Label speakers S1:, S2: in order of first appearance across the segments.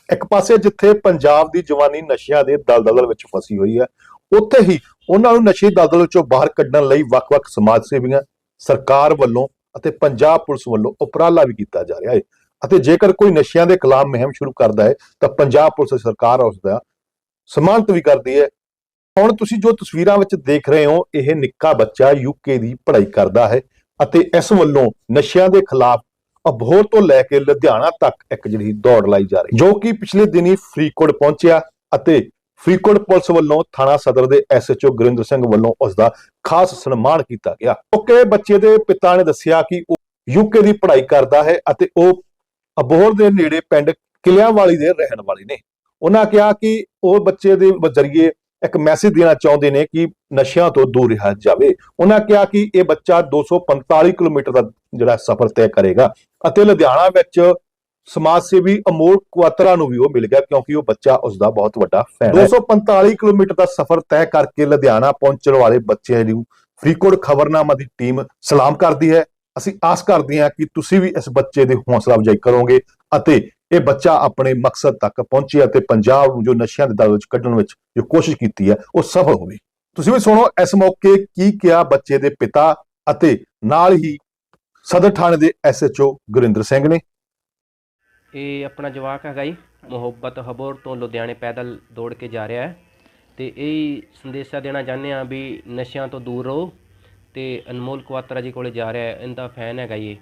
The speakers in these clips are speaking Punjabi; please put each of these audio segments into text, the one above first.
S1: ਇੱਕ ਪਾਸੇ ਜਿੱਥੇ ਪੰਜਾਬ ਦੀ ਜਵਾਨੀ ਨਸ਼ਿਆਂ ਦੇ ਦਲਦਲ ਵਿੱਚ ਫਸੀ ਹੋਈ ਹੈ, ਉੱਥੇ ਹੀ ਉਹਨਾਂ ਨੂੰ ਨਸ਼ੇ ਦਲਦਲ ਵਿੱਚੋਂ ਬਾਹਰ ਕੱਢਣ ਲਈ ਵੱਖ-ਵੱਖ ਸਮਾਜ ਸੇਵੀਆਂ, ਸਰਕਾਰ ਵੱਲੋਂ ਅਤੇ ਪੰਜਾਬ ਪੁਲਿਸ ਵੱਲੋਂ ਉਪਰਾਲਾ ਵੀ ਕੀਤਾ ਜਾ ਰਿਹਾ ਹੈ। ਅਤੇ ਜੇਕਰ ਕੋਈ ਨਸ਼ਿਆਂ ਦੇ ਖਿਲਾਫ ਮੁਹਿੰਮ ਸ਼ੁਰੂ ਕਰਦਾ ਹੈ ਤਾਂ ਪੰਜਾਬ ਪੁਲਿਸ ਸਰਕਾਰ ਉਸ ਦਾ ਸਨਮਾਨਿਤ ਵੀ ਕਰਦੀ ਹੈ। ਹੁਣ ਤੁਸੀਂ ਜੋ ਤਸਵੀਰਾਂ ਵਿੱਚ ਦੇਖ ਰਹੇ ਹੋ, ਇਹ ਨਿੱਕਾ ਬੱਚਾ ਯੂਕੇ ਦੀ ਪੜ੍ਹਾਈ ਕਰਦਾ ਹੈ ਅਤੇ ਇਸ ਵੱਲੋਂ ਨਸ਼ਿਆਂ ਦੇ ਖਿਲਾਫ ਅਬੋਹਰ ਤੋਂ ਲੈ ਕੇ ਲੁਧਿਆਣਾ ਤੱਕ ਇੱਕ ਜਿਹੜੀ ਦੌੜ ਲਾਈ ਜਾ ਰਹੀ, ਜੋ ਕਿ ਪਿਛਲੇ ਦਿਨੀ ਫਰੀਦਕੋਟ ਪਹੁੰਚਿਆ ਅਤੇ ਫਰੀਦਕੋਟ ਪੁਲਿਸ ਵੱਲੋਂ ਥਾਣਾ ਸਦਰ ਦੇ ਐਸਐਚਓ ਗੁਰਿੰਦਰ ਸਿੰਘ ਵੱਲੋਂ ਉਸ ਦਾ ਖਾਸ ਸਨਮਾਨ ਕੀਤਾ ਗਿਆ। ਕਿਉਂਕਿ ਬੱਚੇ ਦੇ ਪਿਤਾ ਨੇ ਦੱਸਿਆ ਕਿ ਉਹ ਯੂਕੇ ਦੀ ਪੜ੍ਹਾਈ ਕਰਦਾ ਹੈ ਅਤੇ ਉਹ ਅਬੋਹਰ ਦੇ ਨੇੜੇ ਪਿੰਡ ਕਿਲਿਆਂਵਾਲੀ ਦੇ ਰਹਿਣ ਵਾਲੇ ਨੇ। ਉਹਨਾਂ ਕਿਹਾ ਕਿ ਉਹ ਬੱਚੇ ਦੇ ਜ਼ਰੀਏ ਇੱਕ ਮੈਸੇਜ ਦੇਣਾ ਚਾਹੁੰਦੇ ਨੇ ਕਿ ਨਸ਼ਿਆਂ ਤੋਂ ਦੂਰ ਰਿਹਾ ਜਾਵੇ। ਉਹਨਾਂ ਕਿਹਾ ਕਿ ਇਹ ਬੱਚਾ 245 ਕਿਲੋਮੀਟਰ ਦਾ ਜਿਹੜਾ ਸਫ਼ਰ ਤੈਅ ਕਰੇਗਾ ਅਤੇ ਲੁਧਿਆਣਾ ਵਿੱਚ ਸਮਾਜ ਸੇਵੀ ਅਮੋਲ ਕੁਆਤਰਾ ਨੂੰ ਵੀ ਉਹ ਮਿਲ ਗਿਆ, ਕਿਉਂਕਿ ਉਹ ਬੱਚਾ ਉਸ ਦਾ ਬਹੁਤ ਵੱਡਾ ਫੈਨ ਹੈ। 245 ਕਿਲੋਮੀਟਰ ਦਾ ਸਫ਼ਰ ਤੈਅ ਕਰਕੇ ਲੁਧਿਆਣਾ ਪਹੁੰਚਣ ਵਾਲੇ ਬੱਚਿਆਂ ਨੂੰ ਫਰੀਦਕੋਟ ਖਬਰਨਾਮਾ ਦੀ ਟੀਮ ਸਲਾਮ ਕਰਦੀ ਹੈ। ਅਸੀਂ ਆਸ ਕਰਦੇ ਹਾਂ ਕਿ ਤੁਸੀਂ ਵੀ ਇਸ ਬੱਚੇ ਦੀ ਹੌਸਲਾ ਅਫਜ਼ਾਈ ਕਰੋਗੇ ਅਤੇ ਇਹ ਬੱਚਾ ਆਪਣੇ ਮਕਸਦ ਤੱਕ ਪਹੁੰਚੇ ਅਤੇ ਪੰਜਾਬ ਨੂੰ ਜੋ ਨਸ਼ਿਆਂ ਦੇ ਦਲ ਵਿੱਚ ਕੱਢਣ ਵਿੱਚ ਜੋ ਕੋਸ਼ਿਸ਼ ਕੀਤੀ ਹੈ ਉਹ ਸਫਲ ਹੋਵੇ। ਤੁਸੀਂ ਵੀ ਸੁਣੋ ਇਸ ਮੌਕੇ ਕੀ ਕਿਹਾ ਬੱਚੇ ਦੇ ਪਿਤਾ ਅਤੇ ਨਾਲ ਹੀ ਸਦਰ ਥਾਣੇ ਦੇ ਐਸਐਚਓ ਗੁਰਿੰਦਰ ਸਿੰਘ ਨੇ।
S2: ਇਹ ਆਪਣਾ ਜਵਾਕ ਹੈਗਾ ਜੀ, ਮੁਹੱਬਤ ਹਬੋਰ ਤੋਂ ਲੁਧਿਆਣੇ ਪੈਦਲ ਦੌੜ ਕੇ ਜਾ ਰਿਹਾ ਹੈ ਤੇ ਇਹ ਸੰਦੇਸ਼ਾ ਦੇਣਾ ਚਾਹੁੰਦੇ ਹਾਂ ਵੀ ਨਸ਼ਿਆਂ ਤੋਂ ਦੂਰ ਰਹੋ ਤੇ ਅਨਮੋਲ ਕੁਆਤਰਾ ਜੀ ਕੋਲੇ ਜਾ ਰਿਹਾ ਹੈ, ਇਹਦਾ ਫੈਨ ਹੈਗਾ ਜੀ।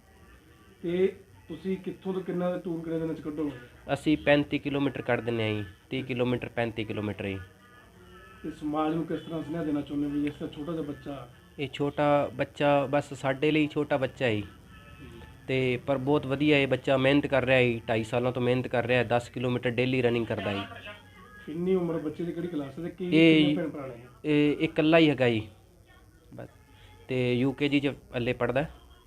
S3: ਤੇ ਤੁਸੀਂ ਕਿੱਥੋਂ ਤੋਂ ਕਿੰਨਾ ਦਾ ਟੂਰ ਕਿੰਨੇ ਦਿਨਾਂ ਚ ਕੱਢੋਗੇ?
S2: ਅਸੀਂ 35 ਕਿਲੋਮੀਟਰ ਕੱਢ ਦਿੰਦੇ ਹਾਂ ਜੀ, 30 ਕਿਲੋਮੀਟਰ 35 ਕਿਲੋਮੀਟਰ ਜੀ।
S3: ਤੇ ਸਮਾਜ ਨੂੰ ਕਿਸ ਤਰ੍ਹਾਂ ਸੁਨੇਹਾ ਦੇਣਾ ਚਾਹੁੰਦੇ ਵੀ ਇਸ ਤਰ੍ਹਾਂ ਛੋਟਾ ਜਿਹਾ ਬੱਚਾ?
S2: ਇਹ ਛੋਟਾ ਬੱਚਾ ਬਸ ਸਾਡੇ ਲਈ ਛੋਟਾ ਬੱਚਾ ਹੈ ਤੇ ਪਰ ਬਹੁਤ ਵਧੀਆ ਇਹ ਬੱਚਾ ਮਿਹਨਤ ਕਰ ਰਿਹਾ ਹੈ, 2.5 ਸਾਲਾਂ ਤੋਂ ਮਿਹਨਤ ਕਰ ਰਿਹਾ ਹੈ, 10 ਕਿਲੋਮੀਟਰ ਡੇਲੀ ਰਨਿੰਗ ਕਰਦਾ ਹੈ।
S3: ਕਿੰਨੀ ਉਮਰ ਬੱਚੇ ਦੀ, ਕਿਹੜੀ ਕਲਾਸ ਦੇ, ਕੀ ਭੈਣ ਭਰਾ ਨੇ?
S2: ਇਹ ਇਕੱਲਾ ਹੀ ਹੈਗਾ ਜੀ ਬਸ, ਤੇ UKG ਚ ਹਲੇ ਪੜ੍ਹਦਾ।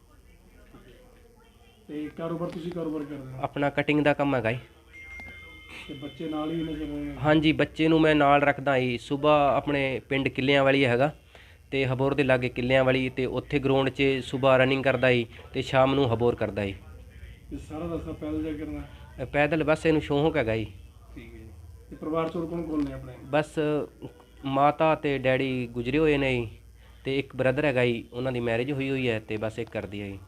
S3: ਤੇ ਕਾਰੋਬਾਰ ਤੁਸੀਂ ਕਾਰੋਬਾਰ ਕਰਦੇ ਹੋ?
S2: ਆਪਣਾ ਕਟਿੰਗ ਦਾ ਕੰਮ ਹੈਗਾ ਜੀ।
S3: ਤੇ ਬੱਚੇ ਨਾਲ ਹੀ ਨਜ਼ਰ?
S2: ਹਾਂਜੀ, ਬੱਚੇ ਨੂੰ ਮੈਂ ਨਾਲ ਰੱਖਦਾ ਜੀ। ਸੁਬਾਹ ਆਪਣੇ ਪਿੰਡ ਕਿੱਲਿਆਂ ਵਾਲੀ ਹੈਗਾ ਤੇ ਹਬੋਰ ਦੇ ਲਾਗੇ ਕਿੱਲਿਆਂ ਵਾਲੀ, ਤੇ ਉੱਥੇ ਗਰਾਊਂਡ 'ਚ ਸੁਬਾਹ ਰਨਿੰਗ ਕਰਦਾ ਜੀ ਤੇ ਸ਼ਾਮ ਨੂੰ ਹਬੋਰ ਕਰਦਾ ਜੀ।
S3: ਤੇ ਸਾਰਾ ਰਸਤਾ ਪੈਦਲ ਜਾ ਕਰਨਾ?
S2: ਪੈਦਲ ਬਸ ਇਹਨੂੰ ਸ਼ੌਂਕ ਹੈਗਾ ਜੀ।
S3: ਠੀਕ ਹੈ। ਤੇ ਪਰਿਵਾਰ 'ਚ ਹੋਰ ਕੌਣ ਕੌਣ ਨੇ ਆਪਣੇ?
S2: ਬਸ ਮਾਤਾ ਤੇ ਡੈਡੀ ਗੁਜ਼ਰੇ ਹੋਏ ਨੇ ਜੀ ਤੇ ਇੱਕ ਬ੍ਰਦਰ ਹੈਗਾ ਜੀ, ਉਹਨਾਂ ਦੀ ਮੈਰਿਜ ਹੋਈ ਹੈ ਤੇ ਬਸ ਇੱਕ ਕਰਦੀ ਹੈ ਜੀ।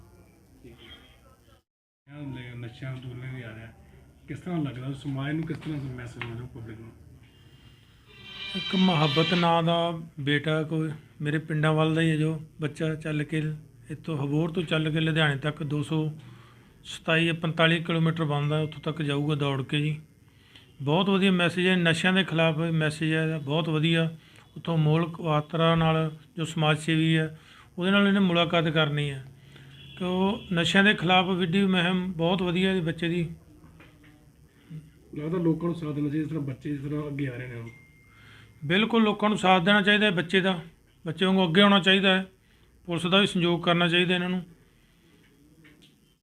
S3: ਨਸ਼ਿਆਂ ਤੋਂ ਦੂਰ ਨਹੀਂ ਆ ਰਿਹਾ, ਕਿਸ ਤਰ੍ਹਾਂ ਲੱਗਦਾ ਸਮਾਜ ਨੂੰ, ਕਿਸ ਤਰ੍ਹਾਂ ਮੈਸੇਜ ਮਿਲੂ ਪਬਲਿਕ ਨੂੰ?
S4: ਇੱਕ ਮੁਹੱਬਤ ਨਾਂ ਦਾ ਬੇਟਾ ਕੋਈ ਮੇਰੇ ਪਿੰਡਾਂ ਵੱਲ ਦਾ ਹੀ ਹੈ, ਜੋ ਬੱਚਾ ਚੱਲ ਕੇ ਇੱਥੋਂ ਹਬੋਰ ਤੋਂ ਚੱਲ ਕੇ ਲੁਧਿਆਣੇ ਤੱਕ 245 ਕਿਲੋਮੀਟਰ ਬਣਦਾ, ਉੱਥੋਂ ਤੱਕ ਜਾਊਗਾ ਦੌੜ ਕੇ ਜੀ। ਬਹੁਤ ਵਧੀਆ ਮੈਸੇਜ ਹੈ, ਨਸ਼ਿਆਂ ਦੇ ਖਿਲਾਫ ਮੈਸੇਜ ਹੈ, ਬਹੁਤ ਵਧੀਆ। ਉੱਥੋਂ ਅਮੋਲ ਕੁਆਤਰਾ ਨਾਲ ਜੋ ਸਮਾਜ ਸੇਵੀ ਹੈ ਉਹਦੇ ਨਾਲ ਇਹਨੇ ਮੁਲਾਕਾਤ ਕਰਨੀ ਹੈ ਕਿ ਉਹ ਨਸ਼ਿਆਂ ਦੇ ਖਿਲਾਫ ਵਿੱਢੀ ਮੁਹਿੰਮ ਬਹੁਤ ਵਧੀਆ ਬੱਚੇ ਦੀ।
S3: ਲੱਗਦਾ ਲੋਕਾਂ ਨੂੰ ਸਾਥ ਦੇਣਾ ਚਾਹੀਦਾ, ਜਿਸ ਤਰ੍ਹਾਂ ਬੱਚੇ ਇਸ ਤਰ੍ਹਾਂ ਅੱਗੇ ਆ ਰਹੇ ਨੇ ਹੁਣ?
S4: ਬਿਲਕੁਲ ਲੋਕਾਂ ਨੂੰ ਸਾਥ ਦੇਣਾ ਚਾਹੀਦਾ ਹੈ ਬੱਚੇ ਦਾ, ਬੱਚੇ ਵਾਂਗੂ ਅੱਗੇ ਆਉਣਾ ਚਾਹੀਦਾ ਹੈ। ਪੁਲਿਸ ਦਾ ਵੀ ਸਹਿਯੋਗ ਕਰਨਾ ਚਾਹੀਦਾ ਇਹਨਾਂ ਨੂੰ।